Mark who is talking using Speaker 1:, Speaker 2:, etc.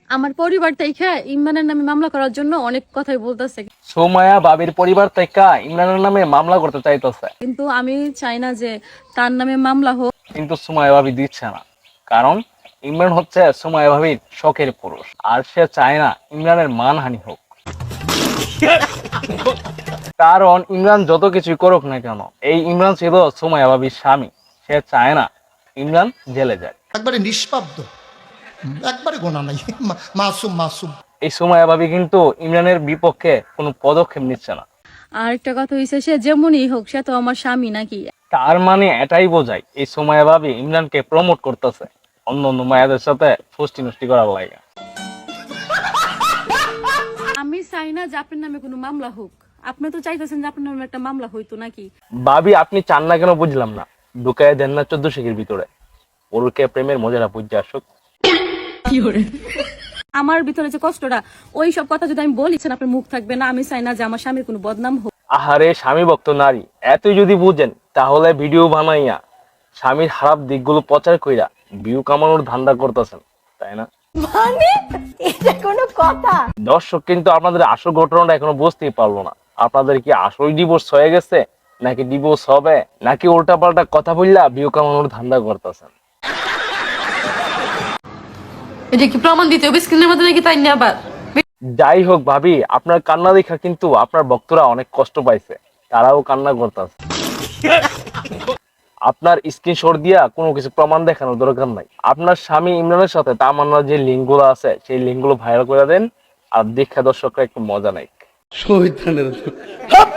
Speaker 1: আমার পরিবার থেকে ইমরানের নামে মামলা করার জন্য অনেক কথাই বলতেছে,
Speaker 2: সুমাইয়া ভাবির পরিবার থেকে ইমরানের নামে মামলা করতে চাইতেছে,
Speaker 1: কিন্তু আমি চাই না যে তার নামে মামলা হোক।
Speaker 2: কিন্তু সুমাইয়া ভাবি দিচ্ছে না। কারণ ইমরান হচ্ছে সুমাইয়া ভাবির শখের পুরুষ, আর সে চায় না ইমরানের মানহানি হোক। কারণ ইমরান যত কিছুই করুক না কেন, এই ইমরান ছিল সুমাইয়া ভাবির স্বামী। সে চায় না ইমরান জেলে যায়।
Speaker 3: একবারে নিষ্পাব্দ, একবারে গোনা নাই, মাসুম মাসুম।
Speaker 2: এই সুমাইয়া ভাবি কিন্তু ইমরানের বিপক্ষে কোনো পদক্ষেপ নিচ্ছে না।
Speaker 1: আর একটা কথা হইছে, সে যেমনই হোক সে তো আমার স্বামী নাকি।
Speaker 2: তার মানে এটাই বোঝায় এই সুমাইয়া ভাবি ইমরানকে প্রমোট করতেছে অন্য অন্য মায়াদের সাথে ফষ্টি নষ্টি করার লাগে।
Speaker 1: আমি চাই না যে আপনার নামে কোনো মামলা হোক। আপনি তো চাইতেছেন যে আপনার নামে একটা মামলা হইতো নাকি।
Speaker 2: ভাবি আপনি চান না কেন বুঝলাম না। ঢুকায় দেন না 14 শিখের ভিতরে, ওরকে প্রেমের মজাটা বুঝে আসুক।
Speaker 1: আমার ভিতরে যে কষ্টটা, ওই সব কথা যদি আমি বলি আপনার মুখ থাকবে না। আমি চাই না যে আমার স্বামীর কোনো বদনাম হোক।
Speaker 2: আহারে স্বামী ভক্ত নারী, এতই যদি বুঝেন তাহলে ভিডিও বানাইয়া স্বামীর খারাপ দিকগুলো প্রচার কইরা ভিউ কামানোর ধান্দা করতেছেন, তাই না?
Speaker 4: মানে এটা কোনো কথা?
Speaker 2: দর্শক কিন্তু আপনাদের আসল ঘটনাটা এখনো বুঝতেই পারলো না। আপনাদের কি আসল ডিভোর্স হয়ে গেছে, নাকি ডিভোর্স হবে, নাকি উল্টা পাল্টা কথা বললা ভিউ কামানোর ধান্দা করতেছেন?
Speaker 5: এটা কি প্রমাণ দিতে হবে স্ক্রিনের মধ্যে নাকি, তাই না? আবার
Speaker 2: যাই হোক ভাবি, আপনার কান্না দেখা কিন্তু আপনার ভক্তরা অনেক কষ্ট পাইছে, তারাও কান্না করতেছে। আপনার স্ক্রিনশট দিয়া কোনো কিছু প্রমাণ দেখানোর দরকার নাই। আপনার স্বামী ইমরানের সাথে তামান্নার যে লিঙ্ক গুলো আছে সেই লিঙ্ক গুলো ভাইরাল করে দেন, আর দেখা দর্শকরা একটু মজা নাই।